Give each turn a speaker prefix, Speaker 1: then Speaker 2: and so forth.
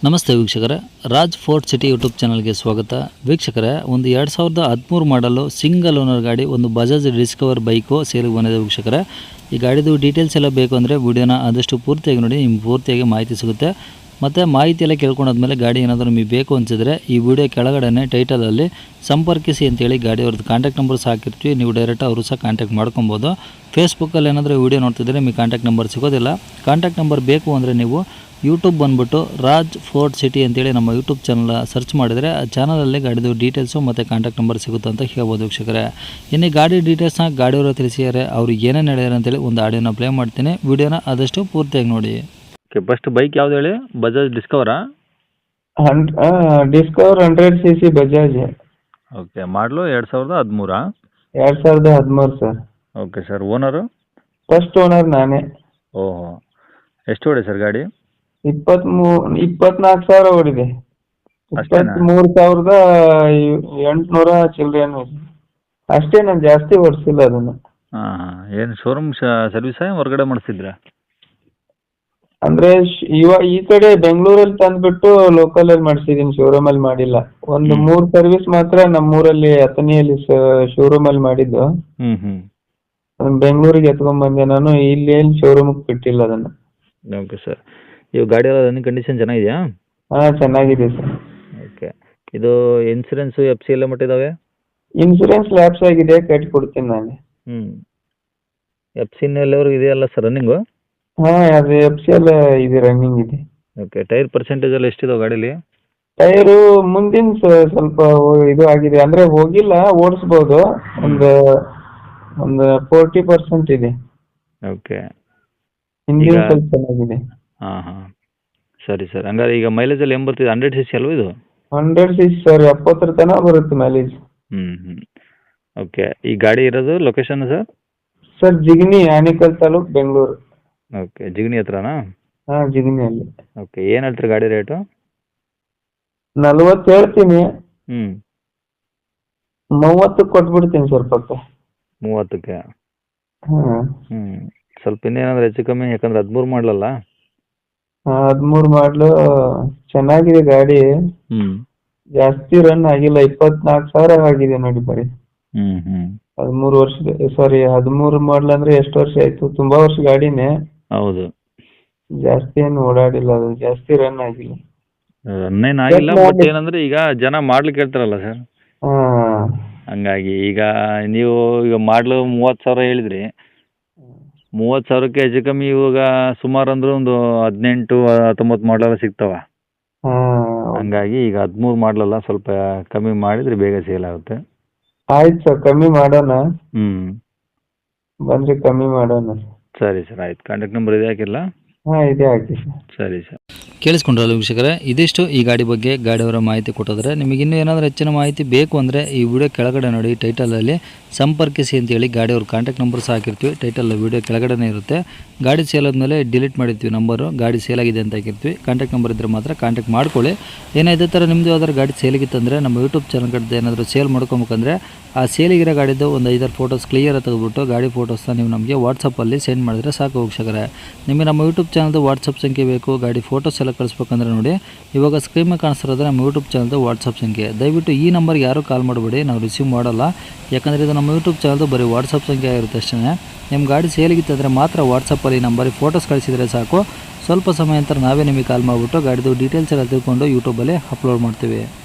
Speaker 1: ನಮಸ್ತೆ ವೀಕ್ಷಕರೇ, Raj fort city YouTube ಚಾನಲ್ಗೆ ಸ್ವಾಗತ. ವೀಕ್ಷಕರೇ, ಒಂದು 2013 ಮಾಡಲು ಸಿಂಗಲ್ ಓನರ್ ಗಾಡಿ, ಒಂದು ಬಜಾಜ್ ಡಿಸ್ಕವರ್ ಬೈಕು ಸೇಲಿಗೆ ಬಂದಿದೆ ವೀಕ್ಷಕರೇ. ಈ ಗಾಡಿದು ಡೀಟೇಲ್ಸ್ ಎಲ್ಲ ಬೇಕು ಅಂದರೆ ವಿಡಿಯೋನ ಆದಷ್ಟು ಪೂರ್ತಿಯಾಗಿ ನೋಡಿ, ನಿಮ್ಗೆ ಪೂರ್ತಿಯಾಗಿ ಮಾಹಿತಿ ಸಿಗುತ್ತೆ. ಮತ್ತು ಮಾಹಿತಿ ಎಲ್ಲ ಕೇಳ್ಕೊಂಡಾದ್ಮೇಲೆ ಗಾಡಿ ಏನಾದರೂ ನಿಮಗೆ ಬೇಕು ಅನಿಸಿದ್ರೆ ಈ ವಿಡಿಯೋ ಕೆಳಗಡೆ ಟೈಟಲಲ್ಲಿ ಸಂಪರ್ಕಿಸಿ ಅಂತೇಳಿ ಗಾಡಿ ಅವ್ರದ್ದು ಕಾಂಟ್ಯಾಕ್ಟ್ ನಂಬರ್ ಸಹ ಹಾಕಿರ್ತೀವಿ. ನೀವು ಡೈರೆಕ್ಟ್ ಅವರು ಸಹ ಕಾಂಟ್ಯಾಕ್ಟ್ ಮಾಡ್ಕೊಬೋದು. ಫೇಸ್ಬುಕ್ಕಲ್ಲಿ ಏನಾದರೂ ವಿಡಿಯೋ ನೋಡ್ತಿದ್ರೆ ನಿಮಗೆ ಕಾಂಟ್ಯಾಕ್ಟ್ ನಂಬರ್ ಸಿಗೋದಿಲ್ಲ. ಕಾಂಟ್ಯಾಕ್ಟ್ ನಂಬರ್ ಬೇಕು ಅಂದರೆ ನೀವು ಯೂಟ್ಯೂಬ್ ಬಂದುಬಿಟ್ಟು ರಾಜ್ ಫೋರ್ಟ್ ಸಿಟಿ ಅಂತೇಳಿ ನಮ್ಮ ಯೂಟ್ಯೂಬ್ ಚಾನಲ್ ಸರ್ಚ್ ಮಾಡಿದರೆ ಆ ಚಾನಲಲ್ಲಿ ಗಾಡಿದು ಡೀಟೇಲ್ಸು ಮತ್ತು ಕಾಂಟ್ಯಾಕ್ಟ್ ನಂಬರ್ ಸಿಗುತ್ತೆ ಅಂತ ಹೇಳ್ಬೋದು ವೀಕ್ಷಕರೇ. ಇನ್ನು ಗಾಡಿ ಡೀಟೇಲ್ಸ್ನ ಗಾಡಿಯವರು ತಿಳಿಸಿದ್ದಾರೆ, ಅವರು ಏನೇನು ಹೇಳಿದ್ದಾರೆ ಅಂತೇಳಿ ಒಂದು ಆಡಿಯೋನ ಪ್ಲೇ ಮಾಡ್ತೀನಿ. ವಿಡಿಯೋನ ಆದಷ್ಟು ಪೂರ್ತಿಯಾಗಿ ನೋಡಿ. ಓಕೆ, ಫಸ್ಟ್ ಬೈಕ್ ಯಾವ್ದು ಹೇಳಿ? ಬಜಾಜ್ ಡಿಸ್ಕವರಾ?
Speaker 2: Discover 100cc Bajaj.
Speaker 1: ಓಕೆ, ಮಾಡಲು 2013?
Speaker 2: 2013 sir.
Speaker 1: Okay sir. Owner?
Speaker 2: First owner ನಾನೇ.
Speaker 1: ಓಹೋ, ಎಷ್ಟು ಹೊಡೆ ಸರ್ ಗಾಡಿ?
Speaker 2: 24,000 ಓಡಿದೆ.
Speaker 1: ಅಷ್ಟೇನಾ?
Speaker 2: 23,800 ಚಿಲ್ಲರೆನೂ ಇದೆ ಅಷ್ಟೇ. ನಾನು ಜಾಸ್ತಿ ಓಡಿಸಿಲ್ಲ ಅದನ್ನು.
Speaker 1: ಹಾಂ, ಏನು ಶೋರೂಮ್ ಸರ್ವಿಸಾ ಹೊರಗಡೆ ಮಾಡಿಸಿದ್ರಾ?
Speaker 2: ಅಂದ್ರೆ ಈ ಕಡೆ ಬೆಂಗಳೂರಲ್ಲಿ ತಂದ್ಬಿಟ್ಟು ಲೋಕಲಲ್ಲಿ ಮಾಡಿಸಿದೀನಿ, ಶೋರೂಮಲ್ಲಿ ಮಾಡಿಲ್ಲ. ಒಂದು 3 ಸರ್ವಿಸ್ ಮಾತ್ರ ನಮ್ಮೂರಲ್ಲಿ ಅಥಣಿಯಲ್ಲಿ ಶೋರೂಮಲ್ಲಿ ಮಾಡಿದ್ದು. ಬೆಂಗಳೂರಿಗೆ ಎತ್ಕೊಂಡ್ ಬಂದೆ ನಾನು. ಇಲ್ಲಿ ಏನು ಶೋರೂಮಿಗೆ ಬಿಟ್ಟಿಲ್ಲ ಅದನ್ನು.
Speaker 1: Okay sir. ಇವು ಗಾಡಿ ಎಲ್ಲ ರನ್ನಿಂಗ್ ಕಂಡೀಷನ್ ಚೆನ್ನಾಗಿದೆಯಾ?
Speaker 2: ಹಾಂ, ಚೆನ್ನಾಗಿದೆ ಸರ್.
Speaker 1: ಓಕೆ, ಇದು ಇನ್ಸೂರೆನ್ಸು FC ಎಲ್ಲ ಮಟ್ಟಿದ್ದಾವೆ?
Speaker 2: ಇನ್ಸೂರೆನ್ಸ್ ಲ್ಯಾಪ್ಸ್ ಆಗಿದೆ, ಕಟ್ಟಿ ಕೊಡ್ತೀನಿ ನಾನೇ.
Speaker 1: FC ಎಲ್ಲವರೆಗೂ ಇದೆಯಲ್ಲ ಸರ್ ರನ್ನಿಂಗು?
Speaker 2: ಹಾಂ, ಅದು FC ಎಲ್ಲ ಇದೆ, ರನ್ನಿಂಗ್ ಇದೆ.
Speaker 1: ಓಕೆ, ಟೈರ್ ಪರ್ಸೆಂಟೇಜ್ ಎಲ್ಲ ಎಷ್ಟಿದಾವೆ ಗಾಡೀಲಿ?
Speaker 2: ಟೈರು ಮುಂದಿನ ಸ್ವಲ್ಪ ಇದು ಆಗಿದೆ, ಅಂದ್ರೆ ಹೋಗಿಲ್ಲ, ಓಡಿಸ್ಬೋದು. ಒಂದು 40% ಇದೆ.
Speaker 1: ಓಕೆ,
Speaker 2: ಹಿಂದಿನ ಸ್ವಲ್ಪ ಚೆನ್ನಾಗಿದೆ.
Speaker 1: ಹಾಂ, ಸರಿ ಸರ್. ಹಂಗಾರೆ ಈಗ ಮೈಲೇಜ್ ಎಲ್ಲ ಏನು ಬರ್ತಿದೆ? 100cc ಅಲ್ವಾ ಇದು?
Speaker 2: 100cc ಸರ್, 70 ತನಕ ಬರುತ್ತೆ ಮೈಲೇಜ್.
Speaker 1: ಓಕೆ, ಈ ಗಾಡಿ ಇರೋದು location sir?
Speaker 2: Sir, Jigani, Anekal taluk, Bengaluru.
Speaker 1: Okay, Jigani ಹತ್ರನಾ?
Speaker 2: ಹಾಂ, ಜಿಗಣಿಯಲ್ಲಿ.
Speaker 1: ಓಕೆ, ಏನು ಹೇಳ್ತೀರಿ ಗಾಡಿ ರೇಟು?
Speaker 2: 40 ಹೇಳ್ತೀನಿ. 30 ಕೊಟ್ಬಿಡ್ತೀನಿ ಸ್ವಲ್ಪ.
Speaker 1: 30ಕ್ಕೆ?
Speaker 2: ಹಾಂ.
Speaker 1: ಸ್ವಲ್ಪ ಇನ್ನೇನಾದ್ರು ಹೆಚ್ಚು ಕಮ್ಮಿ, ಯಾಕಂದ್ರೆ 13 ಮಾಡಲಲ್ಲ?
Speaker 2: 13 ಮಾಡಲು ಚೆನ್ನಾಗಿದೆ ಗಾಡಿ. ಜಾಸ್ತಿ ರನ್ ಆಗಿಲ್ಲ, 24,000 ಆಗಿದೆ ನೋಡಿ ಬರೀ. 13 ವರ್ಷದ, ಸಾರಿ 13 ಮಾಡಲ್ ಅಂದ್ರೆ ಎಷ್ಟು ವರ್ಷ ಆಯ್ತು? ತುಂಬಾ ವರ್ಷ ಗಾಡಿನೇ.
Speaker 1: ಹೌದು.
Speaker 2: ಜಾಸ್ತಿ ಏನು ಓಡಾಡಿಲ್ಲ, ಅದು ಜಾಸ್ತಿ ರನ್ ಆಗಿಲ್ಲ.
Speaker 1: ರನ್ನೇನು ಆಗಿಲ್ಲ, ಬಟ್ ಏನಂದ್ರೆ ಈಗ ಜನ ಮಾಡ್ಲಿಕ್ಕೆ ಹೇಳ್ತಾರಲ್ಲ ಸರ್, ಹಂಗಾಗಿ ಈಗ ನೀವು ಈಗ ಮಾಡಲು 30,000 ಹೇಳಿದ್ರಿ. 30,000ಕ್ಕೆ ಹೆಚ್ಚು ಕಮ್ಮಿ ಇವಾಗ ಸುಮಾರು ಅಂದ್ರೆ ಒಂದು 18-19 ಮಾಡಲೆಲ್ಲ ಸಿಗ್ತಾವ. ಹಂಗಾಗಿ ಈಗ 13 ಮಾಡಲಲ್ಲ, ಸ್ವಲ್ಪ ಕಮ್ಮಿ ಮಾಡಿದ್ರೆ ಬೇಗ ಸೇಲ್ ಆಗುತ್ತೆ.
Speaker 2: ಆಯ್ತು ಸರ್, ಕಮ್ಮಿ ಮಾಡೋಣ. ಬಂದ್ರೆ ಕಮ್ಮಿ ಮಾಡೋಣ.
Speaker 1: ಸರಿ ಸರ್, ಆಯ್ತು. ಕಾಂಟ್ಯಾಕ್ಟ್ ನಂಬರ್ ಇದೆ ಹಾಕಿಲ್ಲ?
Speaker 2: ಹಾಂ, ಇದೆ ಹಾಕಿ ಸರ್.
Speaker 1: ಸರಿ ಸರ್. ಕೇಳಿಸ್ಕೊಂಡ್ರಲ್ಲ ವೀಕ್ಷಕರೇ, ಇದಿಷ್ಟು ಈ ಗಾಡಿ ಬಗ್ಗೆ ಗಾಡಿಯವರ ಮಾಹಿತಿ ಕೊಟ್ಟಿದ್ರೆ. ನಿಮಗೆ ಇನ್ನೂ ಏನಾದರೂ ಹೆಚ್ಚಿನ ಮಾಹಿತಿ ಬೇಕು ಅಂದರೆ ಈ ವಿಡಿಯೋ ಕೆಳಗಡೆ ನೋಡಿ, ಟೈಟಲಲ್ಲಿ ಸಂಪರ್ಕಿಸಿ ಅಂತೇಳಿ ಗಾಡಿಯವ್ರ ಕಾಂಟ್ಯಾಕ್ಟ್ ನಂಬರ್ ಸಹ ಹಾಕಿರ್ತೀವಿ. ಟೈಟಲ್ ವಿಡಿಯೋ ಕೆಳಗಡೆ ಇರುತ್ತೆ. ಗಾಡಿ ಸೇಲ್ ಆದಮೇಲೆ ಡಿಲೀಟ್ ಮಾಡಿರ್ತೀವಿ ನಂಬರು, ಗಾಡಿ ಸೇಲ್ ಆಗಿದೆ ಅಂತ ಹಾಕಿರ್ತೀವಿ. ಕಾಂಟ್ಯಾಕ್ಟ್ ನಂಬರ್ ಇದ್ದರೆ ಮಾತ್ರ ಕಾಂಟ್ಯಾಕ್ಟ್ ಮಾಡ್ಕೊಳ್ಳಿ. ಏನೋ ಇದೇ ಥರ ನಿಮ್ಮದು ಯಾವ್ದಾದ್ರು ಗಾಡಿ ಸೇಲಿಗಿತ್ತಂದರೆ ನಮ್ಮ ಯೂಟ್ಯೂಬ್ ಚಾನಲ್ ಕಡೆ ಏನಾದರೂ ಸೇಲ್ ಮಾಡ್ಕೊಬೇಕಂದ್ರೆ ಆ ಸೇಲಿಗಿರೋ ಗಾಡಿದು ಒಂದು 5-6 ಫೋಟೋಸ್ ಕ್ಲಿಯರ್ ತೆಗೆದುಬಿಟ್ಟು ಗಾಡಿ ಫೋಟೋಸ್ನ ನೀವು ನಮಗೆ ವಾಟ್ಸಪ್ಪಲ್ಲಿ ಸೆಂಡ್ ಮಾಡಿದ್ರೆ ಸಾಕು ವೀಕ್ಷಕರೇ. ನಿಮಗೆ ನಮ್ಮ ಯೂಟ್ಯೂಬ್ ಚಾನಲ್ದು ವಾಟ್ಸಪ್ ಸಂಖ್ಯೆ ಬೇಕು, ಗಾಡಿ ಫೋಟೋಸ್ ಎಲ್ಲ ಕಳಿಸ್ಬೇಕಂದ್ರೆ ನೋಡಿ, ಇವಾಗ ಸ್ಕ್ರೀನ್ ಮೇಲೆ ಕಾಣಿಸ್ತಿರೋದು ನಮ್ಮ ಯೂಟ್ಯೂಬ್ ಚಾನಲ್ದು ವಾಟ್ಸಪ್ ಸಂಖ್ಯೆ. ದಯವಿಟ್ಟು ಈ ನಂಬರ್ಗೆ ಯಾರೂ ಕಾಲ್ ಮಾಡಬೇಡಿ, ನಾವು ರಿಸೀವ್ ಮಾಡಲ್ಲ. ಯಾಕಂದರೆ ಇದು ನಮ್ಮ ಯೂಟ್ಯೂಬ್ ಚಾನಲ್ದು ಬರೀ ವಾಟ್ಸಪ್ ಸಂಖ್ಯೆ ಆಗಿರುತ್ತೆ ಅಷ್ಟೇ. ನಿಮ್ಮ ಗಾಡಿ ಸೇಲಿಗಿತ್ತಂದರೆ ಮಾತ್ರ ವಾಟ್ಸಪ್ಪಲ್ಲಿ ಈ ನಂಬರಿಗೆ ಫೋಟೋಸ್ ಕಳಿಸಿದರೆ ಸಾಕು. ಸ್ವಲ್ಪ ಸಮಯ ನಂತರ ನಾವೇ ನಿಮಗೆ ಕಾಲ್ ಮಾಡಿಬಿಟ್ಟು ಗಾಡಿದು ಡೀಟೇಲ್ಸ್ ಎಲ್ಲ ತಿಳ್ಕೊಂಡು ಯೂಟ್ಯೂಬಲ್ಲಿ ಅಪ್ಲೋಡ್ ಮಾಡ್ತೀವಿ.